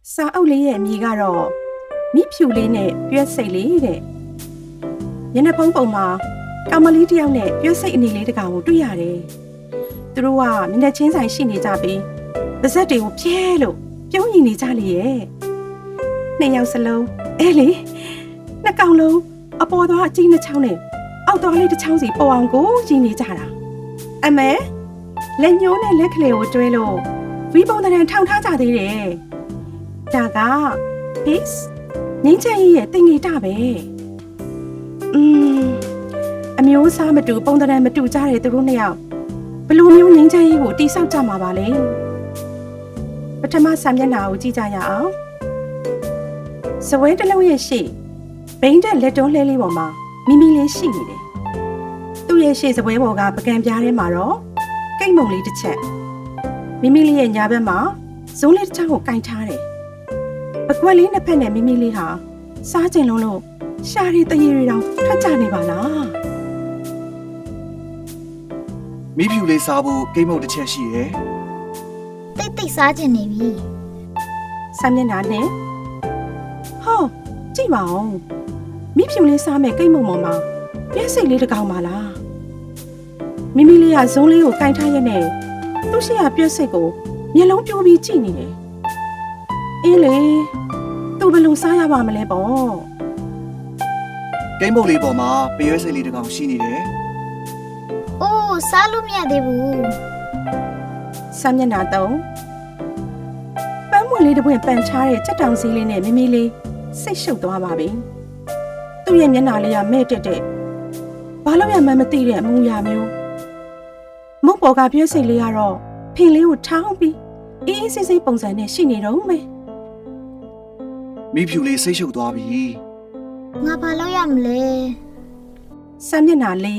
စာအုပ်လေးရဲ့အမည်ကတော့မိဖြူလေးနဲ့ပြွက်စိတ်လေးတဲ့ညနေပုံပုံမှာကောင်မလေးတစ်ယောက်နဲ့ပြွက်စိတ်အနေလေးတစ်ကောင်ကိုတွေ့ရတယ်သူတို့ကမျက်နှာချင်းဆိုင်ရှိနေကြပြီးပါးစပ်တွေကိုပြဲလို့ပြုံးရင်နေကြလေရဲ့နှစ်ယောက်စလုံးအဲလေနှစ်ကောင်လုံးအပေါ်သွားအကြီးနှစ်ချောင်းနဲ့အောက်သွားလေးတစ်ချောင်းစီပေါ်အောင်ကိုကြီးနေကြတာအမေလက်ညှိုးနဲ့လက်ကလေးကိုတွဲလို့ဝီပုံတရံထောင်ထားကြသေးတယ်ဒါက peace ငင်းချင်ရဲ့တင်ငီတာပဲအမျိုးအစားမတူပုံတရံမတူကြတဲ့သူတို့နှစ်ယောက်ဘယ်လိုမျိုးငင်းချင်ရေးကိုတိဆောက်ကြမှာပါလဲပထမစာမျက်နှာကိုကြည့်ကြရအောင်စပွဲတစ်လုံးရဲ့ရှေ့ဘိန်းတဲ့လက်တွန်းလှဲလေးပေါ်မှာမိမိလေးရှိနေတယ်သူ့ရဲ့ရှေ့စပွဲပေါ်ကပကံပြားထဲမှာတော့ကိတ်မုံလေးတစ်ချက်မိမိလေးရဲ့ညာဘက်မှာဇုံးလေးတစ်ချောင်းကိုကင်ထားတယ်ပကွက်လေးနှစ်ဖက်နဲ့မိမိလေးဟာစားကျင်လုံးလို့ရှာရီတရေတွေတောင်ထွက်ကြနေပါလားမိဖြူလေးစားဖို့ကိတ်မုတ်တစ်ချက်ရှိရယ်တိတ်စားကျင်နေပြီစာမျက်နှာနဲ့ဟောကြည့်ပါဦးမိဖြူလေးစားမဲ့ကိတ်မုံပေါ်မှာပြည့်စိတ်လေးတစ်ကောင်ပါလားမိမိလေးကဇုံးလေးကိုကင်ထားရတဲ့သူ့ရှိရပြည့်စိတ်ကိုမျက်လုံးပြိုးပြီးကြည့်နေတယ်အေးလေသူဘယ်လိုစားရပါမလဲပေါ့ကိတ်မုတ်လေးပေါ်မှာပရွဲစိတ်လေးတစ်ကောင်ရှိနေတယ်အိုးစားလို့မရသေးဘူးစာမျက်နှာ3ပန်းမွေလေးတစ်ပွင့်ပန်ချားတဲ့ချက်တောင်စည်းလေးနဲ့မိမိလေးစိတ်ရှုပ်သွားပါပြီသူ့ရဲ့မျက်နှာလေးကမဲ့တက်တဲ့ဘာလို့ရမှန်းမသိတဲ့အမူအရာမျိုးမုတ်ပေါ်ကပြည့်စိတ်လေးကတော့ဖင်လေးကိုထောင်းပြီးအေးအေးဆေးဆေးပုံစံနဲ့ရှိနေတော့မယ်မိဖြူလေးစိတ်ရှုပ်သွားပြီငါဘာလုပ်ရမလဲစာမျက်နှာလေး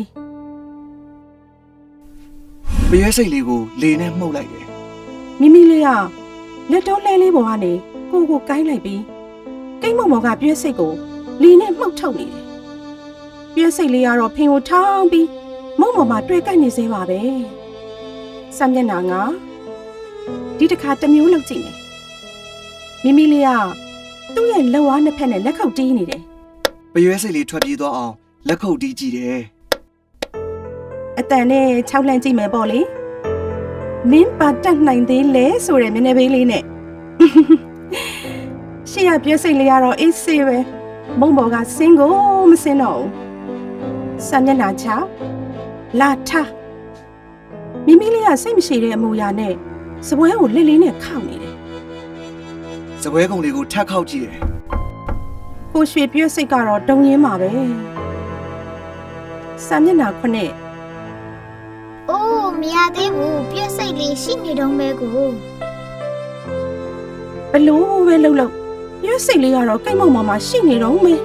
ပရွဲစိတ်လေးကိုလေနဲ့မှုတ်လိုက်တယ်မိမိလေးကလက်တွန်းလဲလေးပေါ်ကနေကိုကိုင်းလိုက်ပြီးကိတ်မုံပေါ်ကပြည့်စိတ်ကိုလေနဲ့မှုတ်ထုတ်နေတယ်ပြည့်စိတ်လေးကတော့ဖင်ကိုထောင်းပြီးမုံပေါ်မှာတွေ့ကိုက်နေသေးပါပဲစာမျက်နှာကဒီတစ်ခါတစ်မျိုးလောက်ကြည့်မယ်မိမိလေးကသူ့ရဲ့လက်ဝါးနှစ်ဖက်နဲ့လက်ခုပ်တီးနေတယ်ပရွဲစိတ်လေးထွက်ပြေးသွားအောင်လက်ခုပ်တီးကြည့်တယ်အတန်နဲ့၆လှမ်းကြည့်မယ်ပေါ့လေမင်းပါတတ်နိုင်သေးလဲဆိုတဲ့မျက်နှာပေးလေးနဲ့ရှေ့ရပြည့်စိတ်လေးကတော့အေးဆေးပဲမုံပေါ်ကစင်းကိုမစင်းတော့ဘူးစာမျက်နှာချလာထားမိမိလေးကစိတ်မရှိတဲ့အမူအရာနဲ့စပွဲကိုလက်လေးနဲ့ခောက်နေတယ်စပွဲကုံလေးကိုထပ်ခောက်ကြည့်တယ်ကိုရွှေပြည့်စိတ်ကတော့တုံရင်းပါပဲစာမျက်နှာ9 အိုးမရသေးဘူးပြည့်စိတ်လေးရှိနေတော့မဲကိုဘလို့ပဲလှုပ်လှုပ်ပြည့်စိတ်လေးကတော့ကိတ်မုံပေါ်မှာရှိနေတော့မယ်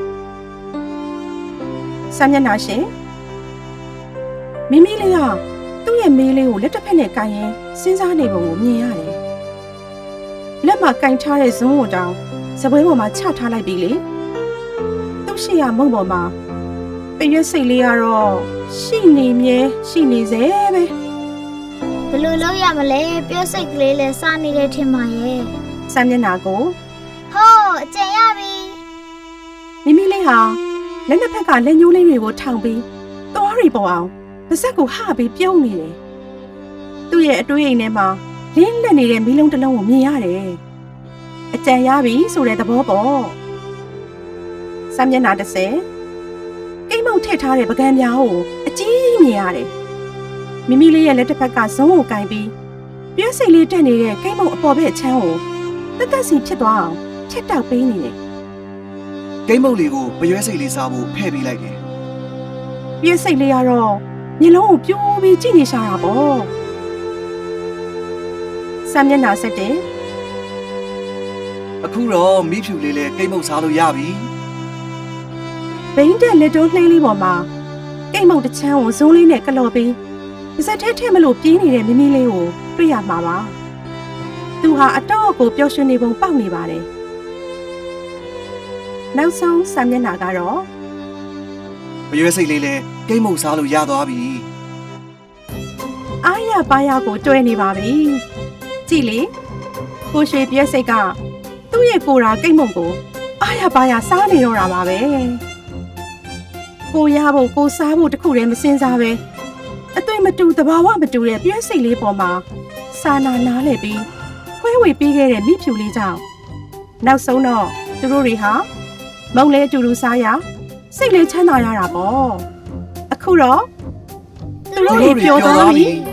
စာမျက်နှာရှင်မိမိလေးကသူ့ရဲ့မေးလေးကိုလက်တစ်ဖက်နဲ့ကန်ရင်စဉ်းစားနေပုံကိုမြင်ရတယ်လက်မှာကန်ထားတဲ့ဇွန်းကိုတောင်စပွဲပေါ်မှာချထားလိုက်ပြီလေသူ့ရှိရမုံပေါ်မှာပရွက်စိတ်လေးကတော့ရှိနေမြဲရှိနေစေပဲဘယ်လိုလုပ်ရမလဲပြည့်စိတ်ကလေးလဲစားနေတဲ့ထင်ပါရဲ့စာမျက်နှာကိုဟောအကျဉ်ရပြီမိမိလေးဟာလက်နှစ်ဖက်ကလက်ညှိုးလေးတွေကိုထောင်ပြီးသွားရီပေါ်အောင်ပါးစပ်ကိုဟပြီးပြုံးနေတယ်သူ့ရဲ့အတွေးအိမ်ထဲမှာလင်းလက်နေတဲ့မီးလုံးတစ်လုံးကိုမြင်ရတယ်အကြံရပြီဆိုတဲ့သဘောပေါ့စာမျက်နှာ30ကိတ်မုတ်ထည့်ထားတဲ့ပကံပြားကိုအကြီးမြင်ရတယ်မိမိလေးရဲ့လက်တစ်ဖက်ကဇုံးကိုကင်ပြီးပြည့်စိတ်လေးတက်နေတဲ့ကိတ်မုတ်အပေါ်ဘက်ချမ်းကိုတက်တက်စီဖြစ်သွားအောင်ဖြတ်တောက်ပေးနေတယ်ကိတ်မုတ်လေးကိုပရွဲစိတ်လေးစားဖို့ဖဲ့ပေးလိုက်တယ်ပြည့်စိတ်လေးကတော့မျက်လုံးကိုပြိုးပြီးကြည့်နေရှာတာပေါ့စာမျက်နှာ7 အခုတော့မိဖြူလေးလည်းကိတ်မုတ်စားလို့ရပြီဘိန်းတဲ့လက်တွန်းလှိမ့်လေးပေါ်မှာကိတ်မုတ်တစ်ချမ်းကိုဇုံးလေးနဲ့ကလော်ပြီးပါးစပ်ထဲမလို့ပြေးနေတဲ့မိမိလေးကိုတွေ့ရမှာပါသူဟာအတော့ကိုပျော်ရွှင်နေပုံပေါက်နေပါတယ်နောက်ဆုံးစာမျက်နှာကတော့ပရွဲစိတ်လေးလည်းကိတ်မုတ်စားလို့ရသွားပြီအားရပါးရကိုတွဲနေပါပြီကြည့်လေကိုရွှေပြည့်စိတ်ကသူ့ရဲ့ကိုယ်ရာကိတ်မုံကိုအားရပါရစားနေတော့တာပါပဲကိုရဖို့ကိုစားဖို့တခုတည်းမစင်စားပဲအသွင်မတူသဘာဝမတူတဲ့ပြည့်စိတ်လေးပေါ်မှာစာနာနားလဲပြီးခွဲဝေပေးခဲ့တဲ့မိဖြူလေးကြောင့်နောက်ဆုံးတော့သူတို့တွေဟာမုံလဲအတူတူစားရစိတ်လေးချမ်းသာရတာပေါ့အခုတော့သူတို့တွေပျော်သွားပြီ